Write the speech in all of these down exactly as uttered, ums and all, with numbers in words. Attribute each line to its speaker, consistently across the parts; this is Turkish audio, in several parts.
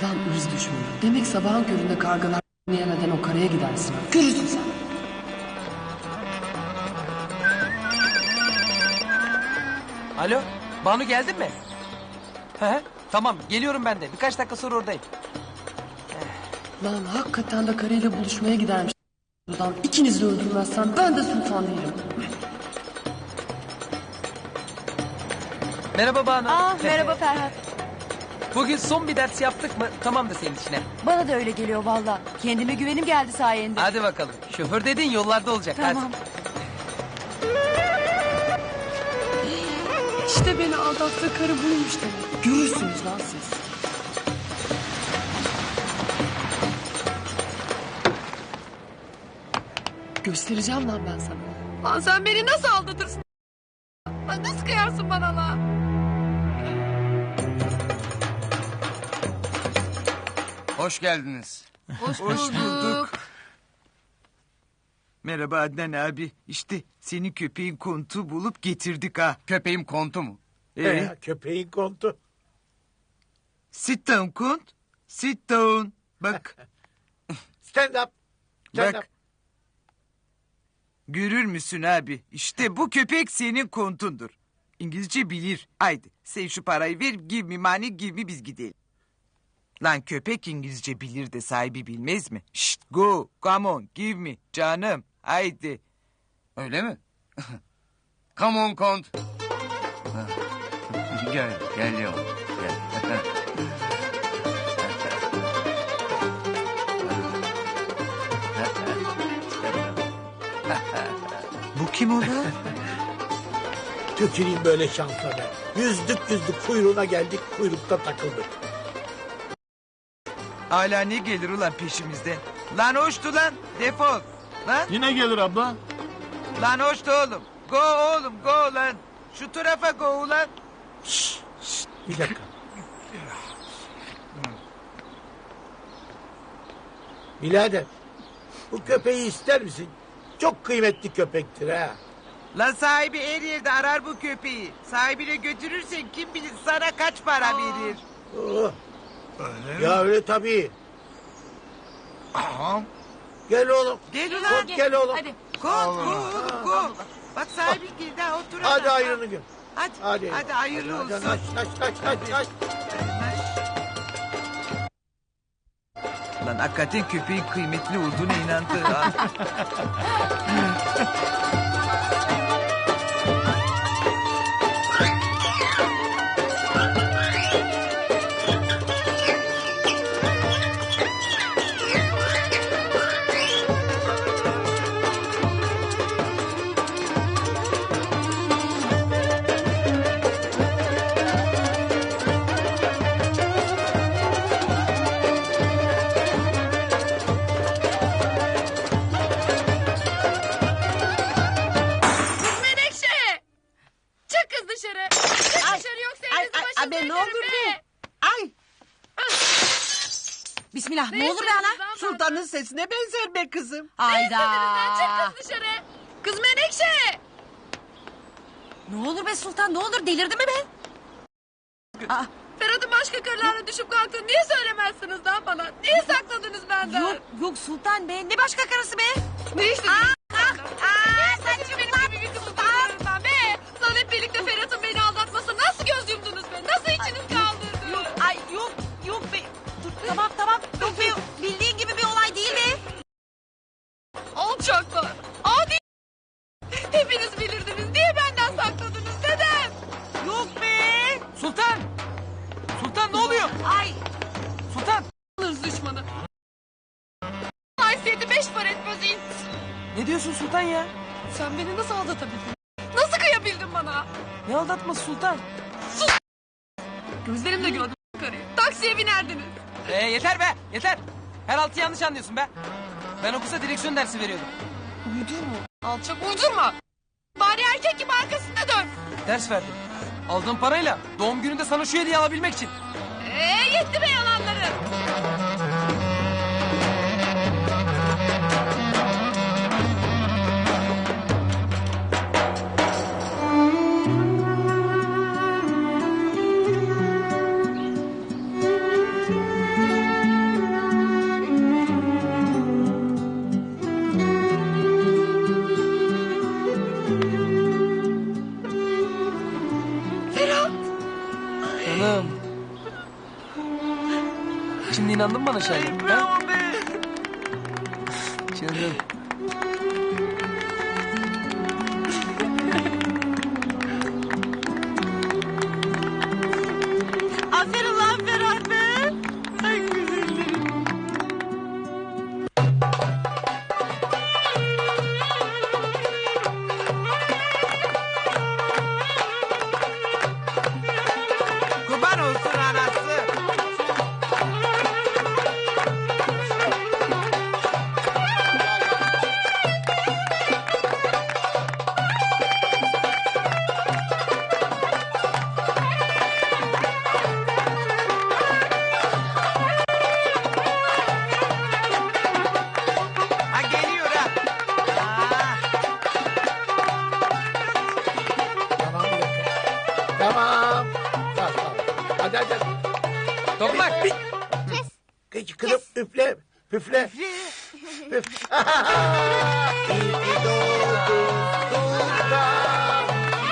Speaker 1: Lan ırz düşmanı. Demek sabahın köründe kargalar yemeden o karaya gidersin. Görürsün sen.
Speaker 2: Alo, Banu geldin mi? Hı hı, tamam geliyorum ben de. Birkaç dakika sonra oradayım.
Speaker 1: Lan hakikaten de karıyla buluşmaya gidermiş. Buradan ikinizi de öldürmezsen ben de sultan değilim.
Speaker 2: Merhaba Banu.
Speaker 3: Aa, merhaba Ferhat.
Speaker 2: Bugün son bir ders yaptık mı? Tamam da senin işine.
Speaker 3: Bana da öyle geliyor valla. Kendime güvenim geldi sayende.
Speaker 2: Hadi bakalım. Şoför dediğin yollarda olacak.
Speaker 3: Tamam.
Speaker 1: İşte beni aldattığı karı buymuş demek. Görürsünüz lan siz. Göstereceğim lan ben sana.
Speaker 4: Lan sen beni nasıl aldatırsın? Lan nasıl kıyarsın bana lan?
Speaker 5: Hoş geldiniz.
Speaker 4: Hoş,
Speaker 5: bulduk. Merhaba Adnan abi. İşte senin köpeğin kontu bulup getirdik ha. Köpeğim kontu mu? Ee,
Speaker 6: Ee, köpeğin kontu.
Speaker 5: sit down kont. Sit down. Bak.
Speaker 6: Stand up. Stand
Speaker 5: Bak.
Speaker 6: up.
Speaker 5: Görür müsün abi? İşte bu köpek senin kontundur. İngilizce bilir. Haydi sen şu parayı ver. Give me money, give me biz gidelim. Lan köpek İngilizce bilir de sahibi bilmez mi? Şşt go, come on, give me. Canım, haydi.
Speaker 7: Öyle mi? Come on kont. Gel, geliyorum. Gel.
Speaker 5: Bu kim ola?
Speaker 6: Tüküreyim böyle şansa be. Yüzdük yüzdük kuyruğuna geldik, kuyrukta takıldık.
Speaker 5: Hala ne gelir ulan peşimizden? Lan hoştu lan, defol. Lan,
Speaker 8: Yine gelir abla.
Speaker 5: lan hoştu oğlum. Go oğlum, go lan. Şu tarafa go ulan.
Speaker 6: Bir dakika. Birader, bu köpeği ister misin? Çok kıymetli köpektir ha.
Speaker 5: Lan sahibi her yerde arar bu köpeği. Sahibine götürürsen kim bilir sana kaç para verir.
Speaker 6: Oh. Ya öyle tabii.
Speaker 5: Aha.
Speaker 6: Gel oğlum.
Speaker 5: Gel ulan.
Speaker 6: Gel, gel oğlum.
Speaker 3: Hadi.
Speaker 5: Go, go oğlum, go. Bak sahibi geldi ha, otur.
Speaker 6: Hadi
Speaker 5: adam.
Speaker 6: ayrını gör.
Speaker 5: Hadi,
Speaker 6: Hadi.
Speaker 5: hadi, hayırlı
Speaker 6: Hadi,
Speaker 5: olsun.
Speaker 6: Aç, aç, aç, aç, aç.
Speaker 5: Lan hakikaten köpeğin kıymetli olduğuna inandı ha.
Speaker 4: Menekşe! Çık kız dışarı. Çık
Speaker 9: Ay,
Speaker 4: dışarı yoksa
Speaker 9: ay,
Speaker 4: elinizi
Speaker 9: ay,
Speaker 4: başınıza
Speaker 9: abi, ne
Speaker 4: yakarım
Speaker 9: olur
Speaker 4: be.
Speaker 9: be. Ay. Bismillah ne,
Speaker 4: Ne
Speaker 9: olur be
Speaker 4: istediniz
Speaker 9: ana.
Speaker 4: lan
Speaker 5: Sultanın sesine benzer be kızım.
Speaker 9: Hayda.
Speaker 4: Lan çık kız dışarı. Kız Menekşe!
Speaker 9: Ne olur be sultan ne olur delirdi mi be? Aa,
Speaker 4: Ferhat'ın başka karılarla düşüp kalktığını niye söylemezsiniz lan bana? Niye sakladınız benden?
Speaker 9: yok yok sultan be ne başka karısı be?
Speaker 4: Ne işte?
Speaker 9: Aa, aa,
Speaker 4: Sen için benim gibi bir kızı tutuyorsunuz be. Lan hep birlikte Ferhat'ın beni aldatmasına nasıl göz yumdunuz be? Nasıl içiniz kaldırdı?
Speaker 9: Yok ay yok yok be. Dur tamam tamam yok be bildiğin gibi bir olay değil be.
Speaker 4: Alçaklar. Adi. Hepiniz bilirdiniz. Niye benden sakladınız dedem?
Speaker 9: Yok be.
Speaker 2: Sultan! Sultan ne oluyor?
Speaker 9: Ay
Speaker 2: Sultan!
Speaker 4: Hırs düşmanı. Haysiyeti beş para etmez ins.
Speaker 2: Ne diyorsun Sultan ya?
Speaker 4: Sen beni nasıl aldatabildin? Nasıl kıyabildin bana?
Speaker 2: Ne aldatması Sultan?
Speaker 4: Gözlerimle gördüm karıyı. Taksiye binerdiniz.
Speaker 2: Ee, yeter be yeter. Her altı yanlış anlıyorsun be. Ben o kıza direksiyon dersi veriyordum.
Speaker 4: Uydurma. Alçak uydurma. Bari erkek gibi arkasında dön.
Speaker 2: Ders verdim. Aldığım parayla doğum gününde sana şu hediye alabilmek için.
Speaker 4: Ee, yetti be yalanları.
Speaker 2: Canım. Şimdi inandın mı bana Şahin? Bravo be. Canım.
Speaker 9: Aferin lan Ferhat be. Ay güzellerim.
Speaker 5: Kurban olsun anası. Ha geliyor ha. Aa.
Speaker 6: Tamam bir dakika. Tamam. Tamam tamam. Hadi hadi. hadi.
Speaker 2: Toprak.
Speaker 6: Kız, kızım üfle. Üfle. Üf. İyi ki doğdun Sultan.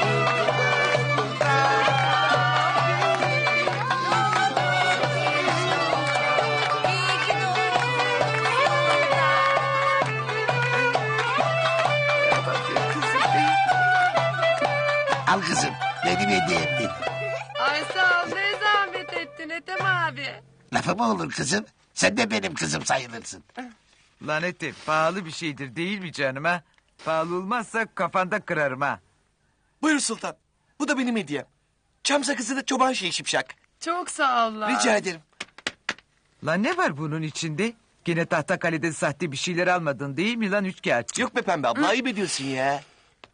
Speaker 8: Al kızım benim hediyemdi.
Speaker 4: Ay sağ ol ne zahmet ettin Ethem abi.
Speaker 8: Lafı mı olur kızım? Sen de benim kızım sayılırsın.
Speaker 5: Lanete pahalı bir şeydir değil mi canım ha? Pahalı olmazsa kafanda kırarım ha.
Speaker 7: Buyur sultan. Bu da benim hediyem. Çam sakızı çoban şeyi şipşak.
Speaker 4: Çok sağ ol lan.
Speaker 7: Rica ederim.
Speaker 5: Lan ne var bunun içinde? Gene Tahtakale'den sahte bir şeyler almadın değil mi lan üçkağıtçı?
Speaker 7: Yok be pembe abla ayıp ediyorsun ya.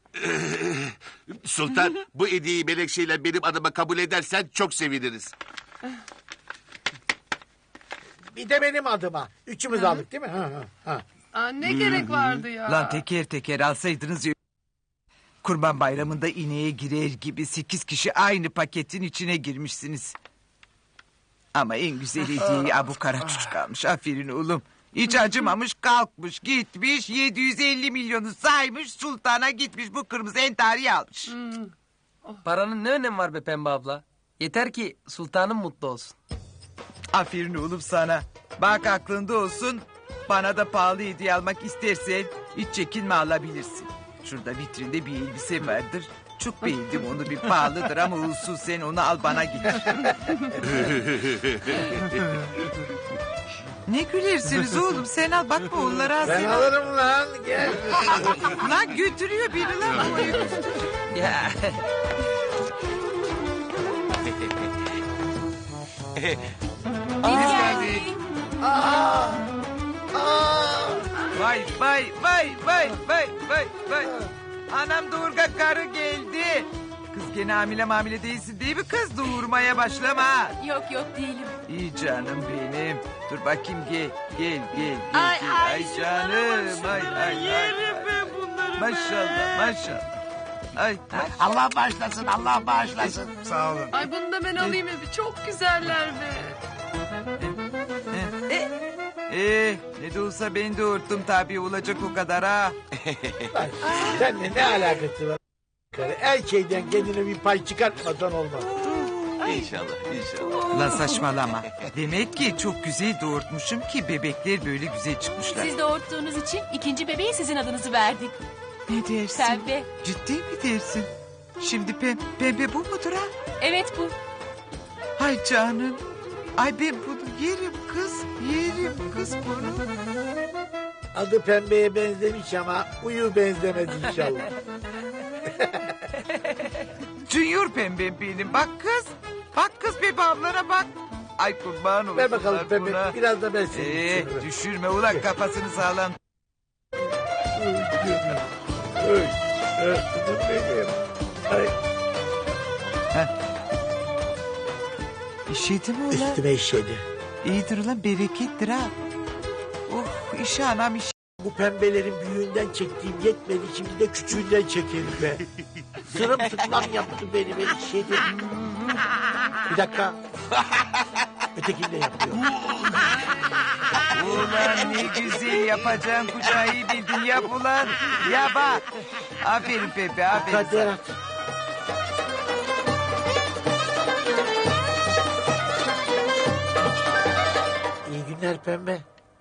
Speaker 8: Sultan bu hediyeyi Melekşe'yle benim adıma kabul edersen çok seviniriz.
Speaker 6: Bir de benim adıma. Üçümüz aldık değil mi? Ha, ha, ha.
Speaker 4: Aa, ne gerek vardı ya.
Speaker 5: Lan teker teker alsaydınız ya. Kurban Bayramı'nda ineğe girer gibi sekiz kişi aynı paketin içine girmişsiniz. Ama en güzel hediyeyi Abu Kara çocuk almış. Aferin oğlum. Hiç acımamış kalkmış gitmiş yedi yüz elli milyonu saymış sultana gitmiş bu kırmızı entariyi almış.
Speaker 2: Paranın ne önemi var be Pembe abla? Yeter ki sultanım mutlu olsun.
Speaker 5: Aferin oğlum sana. Bak aklında olsun. Bana da pahalı hediye almak istersen hiç çekinme alabilirsin. Şurada vitrinde bir elbise vardır. Çok beğendim onu bir pahalıdır ama olsun sen onu al bana getir. Ne gülersiniz oğlum sen al bakma onlara
Speaker 6: Ben
Speaker 5: sen al.
Speaker 6: alırım lan. Gel.
Speaker 5: Lan götürüyor biri lan.
Speaker 2: Ya.
Speaker 5: Vay vay vay vay vay vay vay. Anam doğurga karı geldi. Kız gene hamile mamile değilsin değil mi kız? Doğurmaya başlama. ha.
Speaker 3: Yok yok değilim.
Speaker 5: İyi canım benim. Dur bakayım gel gel gel. gel,
Speaker 3: Ay,
Speaker 5: gel.
Speaker 3: ay,
Speaker 5: ay
Speaker 3: şunlara
Speaker 5: canım.
Speaker 3: bak,
Speaker 5: Ay
Speaker 3: şunlara
Speaker 5: ay ay.
Speaker 3: yerim
Speaker 5: ay.
Speaker 3: ben bunları
Speaker 5: Maşallah maşallah. Ay maşallah.
Speaker 8: Allah bağışlasın Allah bağışlasın.
Speaker 6: Sağ olun.
Speaker 4: Ay bunu da ben alayım bir çok güzeller be.
Speaker 5: Ee, ne de olsa ben doğurttum tabii olacak o kadar ha.
Speaker 6: Lan, seninle ne alakası var? Her şeyden kendine bir pay çıkartmadan olmaz.
Speaker 8: İnşallah inşallah.
Speaker 5: Lan saçmalama. Demek ki çok güzel doğurtmuşum ki bebekler böyle güzel çıkmışlar.
Speaker 3: Siz doğurttuğunuz için ikinci bebeğe sizin adınızı verdik.
Speaker 5: Ne dersin?
Speaker 3: Pembe.
Speaker 5: Ciddi mi dersin? Şimdi pem, pembe bu mudur ha?
Speaker 3: Evet bu.
Speaker 5: Ay canım. Ay ben bunu yerim kız. Yerim kız bunu.
Speaker 6: Adı pembeye benzemiş ama uyu benzemez inşallah.
Speaker 5: Junior pembem benim. Bak kız. Bak kız bebe ablana bak. Ay kurban olsun.
Speaker 6: Ver bakalım pembe.
Speaker 5: buna.
Speaker 6: Biraz da ben seni
Speaker 5: Ee,
Speaker 6: düşürürüm.
Speaker 5: düşürme ulan kafasını sağlam.
Speaker 6: Oy. Örsünüm benim. Ay,
Speaker 5: İşedi mi ulan?
Speaker 6: üstüme işedi.
Speaker 5: İyidir ulan berekettir ha. Oh işe anam işe.
Speaker 6: Bu pembelerin büyüğünden çektiğim yetmedi. Şimdi de küçüğünden çekelim be. Sırımsıklam yaptı beni. Beni işedi. Bir dakika. Ötekini de yapıyor.
Speaker 5: Ulan ne güzel yapacağın kucağı iyi bildin yap ulan. Ya bak. Aferin Pepe aferin
Speaker 6: Kader
Speaker 5: sana.
Speaker 6: at. İyi günler pembe.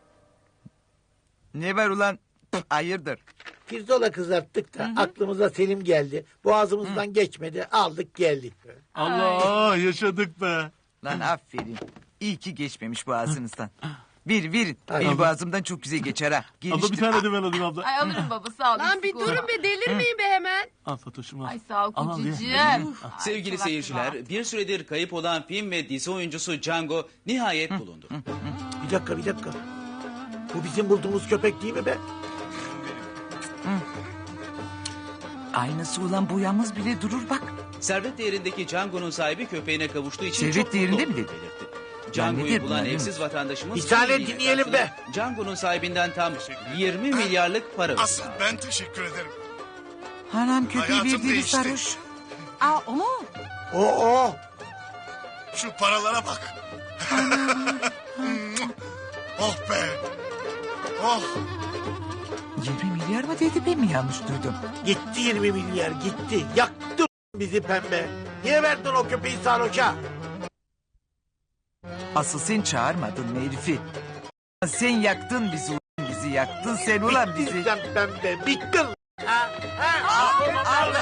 Speaker 5: Ne var ulan? Hayırdır?
Speaker 6: Pirzola kızarttık da aklımıza Selim geldi. Boğazımızdan geçmedi. Aldık geldik.
Speaker 10: Allah yaşadık be.
Speaker 5: Lan aferin. İyi ki geçmemiş boğazınızdan. Verin verin.
Speaker 6: Ay.
Speaker 5: Benim boğazımdan çok güzel geçer ha.
Speaker 10: Abla bir
Speaker 5: Geliştir.
Speaker 10: tane de ben alayım abla.
Speaker 3: Ay alırım baba sağ ol.
Speaker 4: Lan bir durun be delirmeyin be hemen.
Speaker 10: Al Fatoş'um al.
Speaker 3: Ay sağ ol
Speaker 10: Al, al, ye.
Speaker 3: kocacığım.
Speaker 11: Sevgili seyirciler, bir süredir kayıp olan film ve dizi oyuncusu Django nihayet bulundu.
Speaker 6: Bir dakika bir dakika. Bu bizim bulduğumuz köpek değil mi be?
Speaker 5: Aynısı ulan bu yalnız bile durur bak.
Speaker 11: Servet değerindeki Django'nun sahibi köpeğine kavuştuğu için
Speaker 5: Servet
Speaker 11: çok
Speaker 5: değerinde
Speaker 11: mutlu
Speaker 5: mi
Speaker 11: olduğunu
Speaker 5: dedi?
Speaker 11: belirtti.
Speaker 5: nedir
Speaker 11: Django'yu bulan
Speaker 5: bunlar,
Speaker 11: evsiz vatandaşımız...
Speaker 6: Bir tane
Speaker 11: kimliğiyle
Speaker 6: dinleyelim be.
Speaker 11: karşıladı. Django'nun sahibinden tam yirmi milyarlık para
Speaker 10: Asıl
Speaker 11: ödedi.
Speaker 10: ben teşekkür ederim.
Speaker 5: Hanım köpeği
Speaker 10: Hayatım
Speaker 5: verdiğiniz
Speaker 10: değişti.
Speaker 5: sarhoş.
Speaker 9: Aa o mu?
Speaker 6: O o.
Speaker 10: Şu paralara bak. Oh be. Oh.
Speaker 5: yirmi milyar mı dedi ben mi yanlış duydum?
Speaker 6: Gitti yirmi milyar gitti. Yaktı bizi pembe. Niye verdin o köpeği sarhoşa?
Speaker 5: Asıl sen çağırmadın mı herifi? Sen yaktın bizi ulan bizi yaktın sen ulan
Speaker 6: Bittin
Speaker 5: bizi.
Speaker 6: sen pembe bittin. Ha, ha.